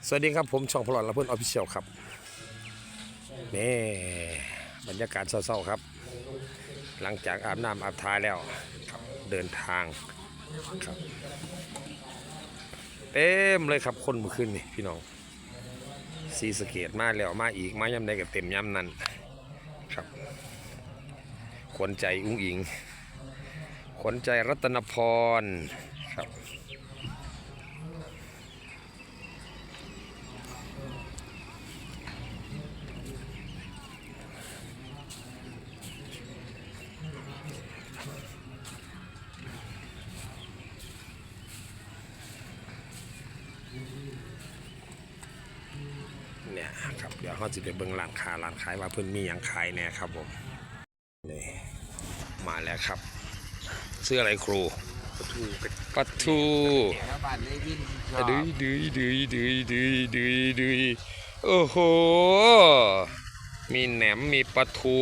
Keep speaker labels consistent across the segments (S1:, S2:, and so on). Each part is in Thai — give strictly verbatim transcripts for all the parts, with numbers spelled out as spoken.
S1: สวัสดีครับผมช่องพลอดละเพื่อนออฟฟิเชียลครับนี่บรรยากาศเศร้าๆครับหลังจากอาบน้ำอาบทาแล้วเดินทางครับเต็มเลยครับคนเมื่อคืนนี่พี่น้องซีสเกตมาแล้วมาอีกมาย่ำใดกับเต็มย่ำนั้นครับขวัญใจอุ้งอิงขวัญใจรัตนพรครับเนี่ยครับเดี๋ยวเขาจะไปเบิ่งร้านค้าร้านขายว่าเพิ่นมีอย่างขายแน่ครับผมนี่มาแล้วครับเสื้ออะไรครูปลาทูปลาทูดื้อดื้อดื้อดื้อดื้อดื้อดื้อโอ้โหมีแหนมมีปลาทู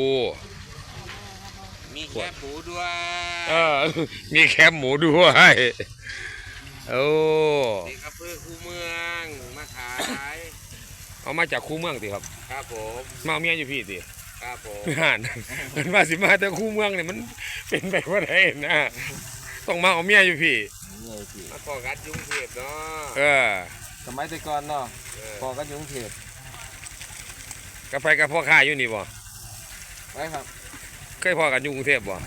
S2: มีแคบหมูด้วย
S1: เออมีแคบหมูด้วยโอ้
S2: นี่ครับเพื่อคูเมืองมาขาย
S1: เอามาจากคูเมืองสิครับ
S2: ครับผม
S1: มาเมียอยู่พี่สิ
S2: ครับผม
S1: อ่านมันมาสิมาแต่คูเมืองเนี่ยมันเป็นไปว่าไงนะต้องมาเอาเมียอยู่พี่
S2: มาพอกันยุ่งเทพเนาะ
S1: เออ
S3: สมัยแต่ก่อนเนาะพอกันยุ่งเทพ
S1: กาแฟกับพ่อค้าอยู่นี่บ่
S3: ไปครับ
S1: เคยพอกันอยู่กรุงเทพบ่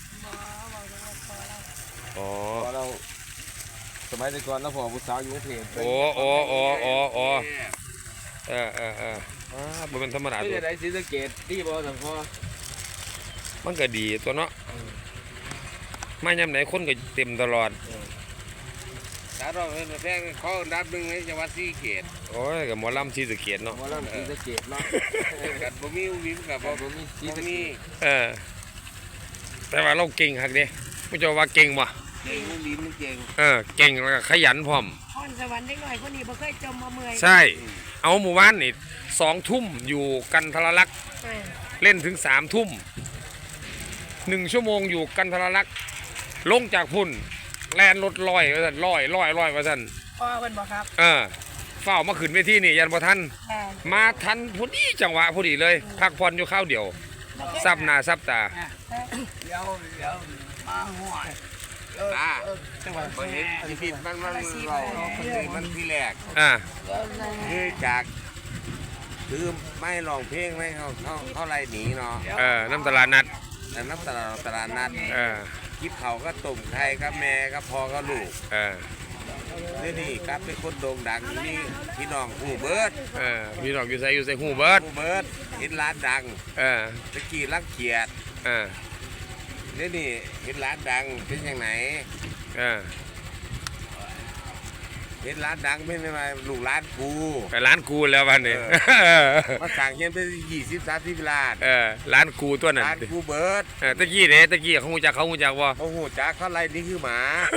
S1: อ๋อ
S3: เราสมัยแต่ก่อนเราพอผู้สาวยุ่งเทพ
S1: โอ้โอ้โอ้โอ้โอ้เออเออเอออ่าบ่เป็นธรรมดาตัว
S3: ไม่ได้ศรีสะเกษดีบ่สังพอ
S1: มันก็ดีตัวเนาะมายามไหนคนก็เต็มตลอด
S2: สาวเราเป็นแพงเขาดับหนึ่งในจังหวัดศรีสะเกษ
S1: โอ้ยกับหมอลำศรีสะเกษเนาะ
S3: หมอลำศรีสะเกษเนาะ
S2: กับบ่มีวิวกับบ่มีศรีสะเกษ
S1: เออแต่ว่าเราเก่งฮักเด้ผู้เจ้าว่าเก่งบ่
S2: เก่งลิ้นมันเก่ง
S1: เออเก่งแล้วก็ขยันพร้อม
S4: พรสวรรค์เด็กหน่อยคนนี้บ่เคยจมมาเมื่อย
S1: ใช่เอาหมู่บ้านนี่สองทุ่มอยู่กันทรลักษณ์เล่นถึงสามทุ่มหนึ่งชั่วโมงอยู่กันทรลักษณ์ลงจากพุ่นแลนรถลอยว่าสั่นลอยลอยลอยว่าสั่น
S4: พ่อเพิ่นบอกครับ
S1: เออเฝ้ามาขึ้นเวทีนี่ยันบ่ทันมาทันพอดีจังหวะพอดีเลยพักผ่อนอยู่ข้าวเดียวซับหน้าซับตา
S2: เดี๋ยวเดี๋ยวมาห่วยอ่าจังหวัดบ่เห็นที่ผิดมันมันเรามันที่แรก
S1: อ่า
S2: คือจากคือไม่ร้องเพลงไม่เขาเขาเขาไล่หนีเนาะ
S1: เออน้ำตลาดนัด
S2: แต่น้ำตลาดตลาดนัด
S1: เออ
S2: คิดเขาก็ตุ่มไข่ก็แม่ก็พอก็ลูก
S1: เออ
S2: นี่นี่ครับเป็นคนโด่งดังนี่พี่น้องหูเบิร์ด
S1: เออพี่น้องอยู่ใส่อยู่ใส่หูเบิร์ด
S2: หูเบิร์ดเห็นร้านดัง
S1: เออ
S2: ตะกี้รักเกียรติ
S1: เออ
S2: นี่นี่เห็นร้านดังเป็นยังไง
S1: เออ
S2: เห็นร้านดังเป็นยังไงลูกร้านกู
S1: แต่ร้านกูแล้ววันนี้
S2: มาสั่งเงินไปยี่สิบสามสิบล้าน
S1: เออร้านกูตัวนั้น
S2: ร้านกูเบิร์ด
S1: ตะกี้เนี่ยตะกี้เขาหูจักเขาหูจักว่า
S2: เขาหูจักเขาไล่นี่คือหมา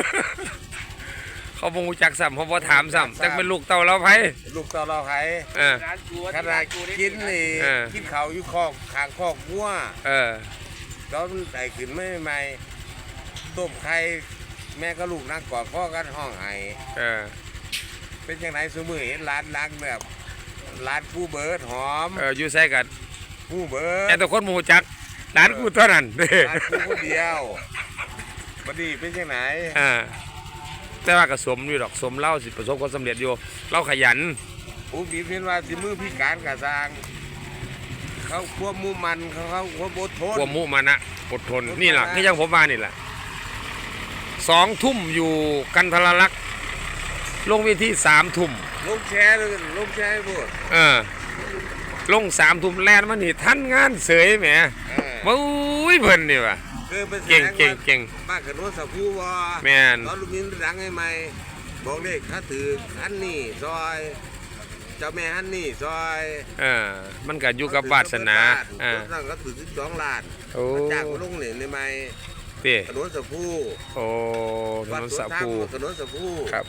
S1: เขาหูจักซ้ำเขาพอถามซ้ำจักเป็นลูกเต่าเราไผ
S2: ลูกเต่าเราไผขนาดกินนี่กินเขาอยู่คอกขางคอกวัว
S1: เออ
S2: ตอนใส่ขึ้นไม่ใหม่ต้มไข่แม่ก็ลูกนั่งกอดพ่อกันห้องไห้
S1: เออ
S2: เป็นยังไงสมือเห็นร้านดังแบบร้านกูเบิร์ดหอม
S1: เอออยู่ใส่กัน
S2: กูเบิร์ด
S1: แต่ตัวคนหูจักร้านกูเท่านั้น
S2: ร้านกูคนเดียวบัดนี้เป็นยังไง
S1: อ่าแต่ว่ากระสมอยู่ดอกสมเล่าสิประสบความสำเร็จอยู่เล่าขยัน
S2: อุ้งอิงเห็นว่าสิมือพิการกระซังเขาควบมุมันเขาเขาควบอดทน
S1: ควบมุมันนะอดทนนี่แหละที่ยังผมมานี่แหละสองทุ่มอยู่กันทรลักษณ์ลงเวทีสามทุ่ม
S2: ลงแชร์เลยลงแชร์พูด
S1: เออลงสามทุ่มแลนมันนี่ท่านงานเสยแหมมาอุ้ยเพิ่นนี่ว่ะเก่งเก่งเก่ง
S2: มากกับโน้ตสับผู้ว่า
S1: แม่น
S2: ตอนลูกนิ้นดังให้ไหมบอกเลขถ้าถือฮันนี่ซอยเจ้าแม่ฮันนี่ซอย
S1: เออมันก็อยู่กับวาสนา
S2: อ่าตั้งก็ถือสิบสองล้านจากลงเหรียญได้ไหม
S1: เต้
S2: กระโดดสับผู้
S1: โอ้กระโดดสับผู้
S2: กระโดดสับผู้
S1: ครับ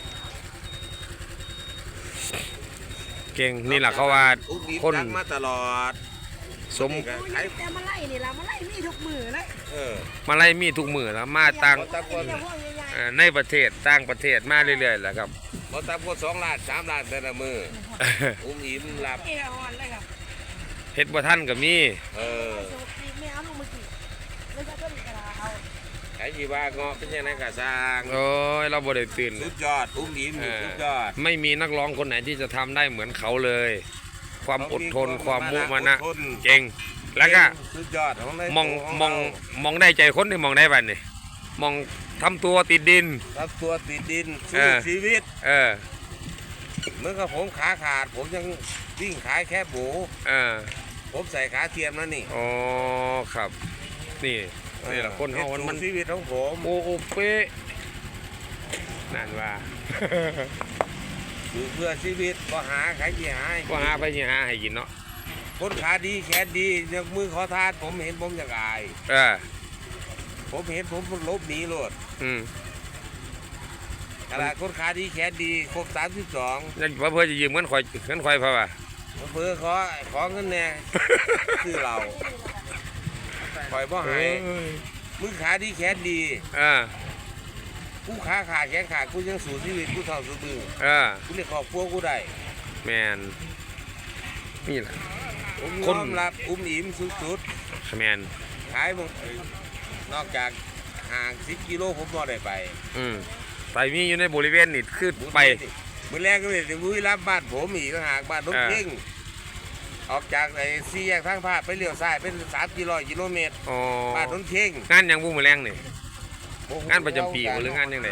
S1: เก่งนี่แหละเขาว่า
S2: คนมาตลอด
S1: สม
S4: แต่มาไล่นี่ละมาไล่มีทุกมือเลย
S1: เออมาไล่มีทุกมือแล้วมาต่างในประเทศต่างประเทศมาเรื่อยๆแหละครับ
S2: บเขาตามคนสองล้านสามล้านแต่ละมืออุ้มอิ่มหลับ
S4: เอวอ่อนเลยครับ
S1: เฮ็ดบ่ทันก็มี
S2: เออ
S4: ไม่เอาลงมือกี่เลยจะต้นกระดาเอา
S2: ไอ้ที่ว่าเงาะเป็นยังไงกะสร้าง
S1: โอ้ยเราบ่ได้ตื่น
S2: สุดยอดอุ้มอิ่มอยู่สุดยอด
S1: ไม่มีนักร้องคนไหนที่จะทำได้เหมือนเขาเลย ความอดทนความมุมานะ
S2: อดทน
S1: เก่งแล้วก็
S2: สุดยอดของใน
S1: มอง
S2: ข
S1: มอง
S2: เรา
S1: มองได้ใจคนที่มองได้บัดนี่มองทำตัวติดดิน
S2: รับตัวติดดิน
S1: เอ
S2: สู้
S1: อ
S2: ชีวิต
S1: เออ
S2: เหมื่อนกับผมขาขาด ผมยังวิ่งขายแค่โบ
S1: เออ
S2: ผมใส่ขาเทียมแล้วนี่
S1: อ๋อครับ นี่นี่แหละคนเฮามันมัน
S2: สู้ชีวิตของผม
S1: โอ้โอเป๊ะนั่นว่า
S2: อยู่เพื่อชีวิตก็หาขายที่หาย
S1: ก็หาไปสิหาให้กินเนาะ
S2: คนขาดีแขนดียกมือขอทานผมเห็นผมอยากอาย
S1: เออ
S2: ผมเห็นผมลบหนีโลด
S1: อืม
S2: ขนาดคนขาดีแขนดีครบสามสิบสอง
S1: นั่นว่าเพื่อจะยืมเงินข่อยเงินข่อยเพราะว่า
S2: เพื่อขอขอเงินแน่ คือเราปล่อยบ่ใหายมือขาดีแขนดี
S1: เออ
S2: กูขาขาดแขนขาดกูยังสู้ชีวิตกูเท่าสู้มือ
S1: เออ
S2: กูเรียกครอบครัวกูได้
S1: แมนนี่แหละ
S2: ผม
S1: ค
S2: ย
S1: น
S2: อมรับอุ้มอิ่มสุด
S1: แมน
S2: ๆขายมึงนอกจากห่างสิบกิโลผมบ่ได้ไป
S1: อืมไปมีอยู่ในบริเวณนี่คือไป
S2: มือแรกก็เลยถึงบุรีรัมย์บ้านผมอีกต่างหากบ้านนก
S1: เออ
S2: เพ่งออกจากไอ้สี่แยกทางภาคไปเลี้ยวซ้ายเป็นสามกิโลกิโลเมตร
S1: อ๋อ
S2: บ้านนนเพ่ง
S1: งานหยังบุ้มอแรงนี่ งานประจำปีบ่หรืองานจังใด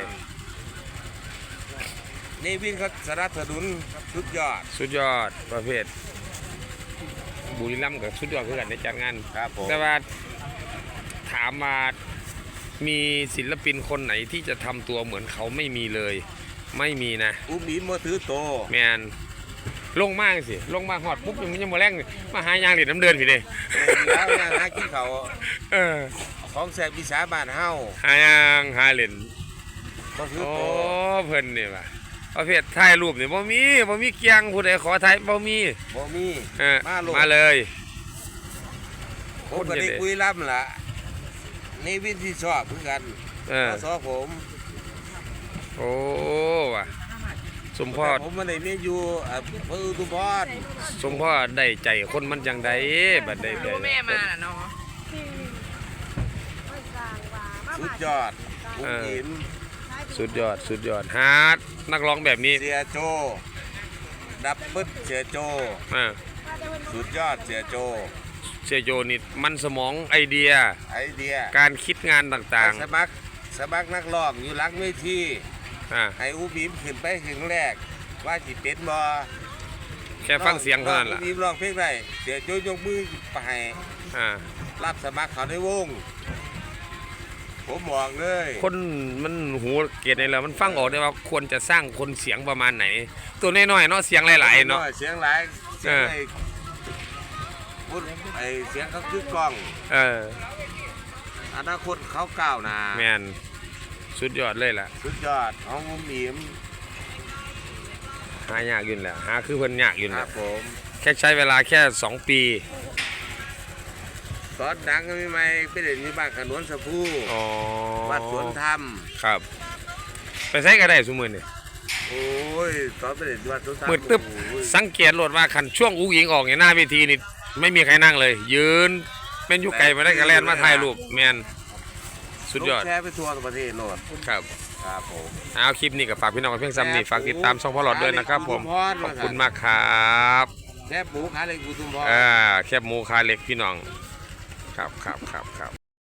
S2: นี่วินเขาสนับสนุนสุดยอด
S1: สุดยอดประเภทบุรีรัมย์กับสุดยอดคือกันในจัดงาน
S2: ครับผม
S1: แต่ว่าถามมามีศิลปินคนไหนที่จะทำตัวเหมือนเขาไม่มีเลย ไม่มีนะ
S2: อุ้มอิ่มมาถือโต
S1: แมนลงมากสิลงมาหอดปุ๊บยังยังมาแรงนี่มาหายางเหรียญน้ำเดินพี่เด้
S2: แล้วยังหากินเขาว
S1: เออ
S2: ของแสบวิสาบ้านเฮา
S1: หายางหาเหรียญ
S2: มาถือ
S1: โอ้
S2: โต
S1: เพิ่นนี่ว่ะประเภทถ่ายรูปนี่บ่มีบ่มีเกียงผู้ใดขอถ่ายบ่มี
S2: บ่มี
S1: เออ
S2: มาโลด
S1: มาเลย
S2: ผมก็ได้คุยรับล่ะนี่วินที่ชอบเหมือนกัน
S1: เออ
S2: มาสอผม
S1: โอ้ว่ะสมพอ
S2: แต่
S1: ด
S2: ผมมาได้เมียอยู่อ่าเพื่ออุทุมพร
S1: สมพอดได้ใจคนมันจังใดบัดได้ใจ
S4: แม่มาน่ะเนาะ
S2: สุดยอดอุ้มอิ่ม
S1: สุดยอดสุดยอดฮาร์ดนักร้องแบบนี้
S2: เสียโจ ดับเบิ้ลเสียโจ
S1: อ่า
S2: สุดยอดเสียโจ
S1: เสียโยนิดมันสมองไอเดีย
S2: ไอเดีย
S1: การคิดงานต่าง
S2: สมัครสมัครนักร้องอยู่หลังเวที
S1: ๆอ่า
S2: ให้อุ้มอิ่มขึ้นไปถึงแรก ว่าจิเป็นบ่
S1: แค่ฟังเสียงเท่านั้น
S2: อุ้
S1: ล่ะ
S2: มอิ่มร้องเพลงได้เสียโจยกมือไปให้
S1: อ่า
S2: รับสมัครเขาในวง ผมบอกเลย
S1: คนมันหูเกียดในเรามันฟังออกได้ว่าควรจะสร้างคนเสียงประมาณไหน ตัวน้อยๆเนาะเสียงหลายๆเนาะ
S2: เสียงหลายเสียง
S1: เออ
S2: ไอ้พูดไอ้เสียงเขาคือกล้อง
S1: เออ
S2: อนาคตเขาก้าวหน้า
S1: แมนสุดยอดเลยล่ะ
S2: สุดยอดของอุ้มอิ่ม
S1: หายากอยู่แหล้วหาคือเพิ่นยากอยู่
S2: ค
S1: แห
S2: รั
S1: ล้
S2: บผม
S1: แค่ใช้เวลาแค่สองปี
S2: ตอนดังก็ไม่ไม่ไปเด่นที่บ้านขนวนสะพู
S1: อ๋อ
S2: วัดสวนธรรม
S1: ครับ ไปใช้ก็ได้สมมือนี่
S2: โอ้ยตอนไปเด่นที่วัดสวนธรรม
S1: มืดตึ๊บ
S2: โอ้ย
S1: สังเกตโหลดว่าคันช่วงอุ้งอิงออกในหน้าเวทีนี่ไม่มีใครนั่งเลย ยืนเป็นอยุไก่มาได้กระแลนมาถ่ายรูปแมนสุดยอด
S2: แชร์ไปทั่วประเทศโลด
S1: ครับ
S2: ครับผม
S1: เอาคลิปนี้กับฝากพี่น้องกับเพียงซ้ำนี่ฝากติดตามช่องพ่อหลอดด้วยนะครับผมขอบคุณมากครับ
S2: แชร์ปูขาเล็กอุทุมพร
S1: อ่าแคบหมูคาเล็กพี่น้องครับครับครับครับ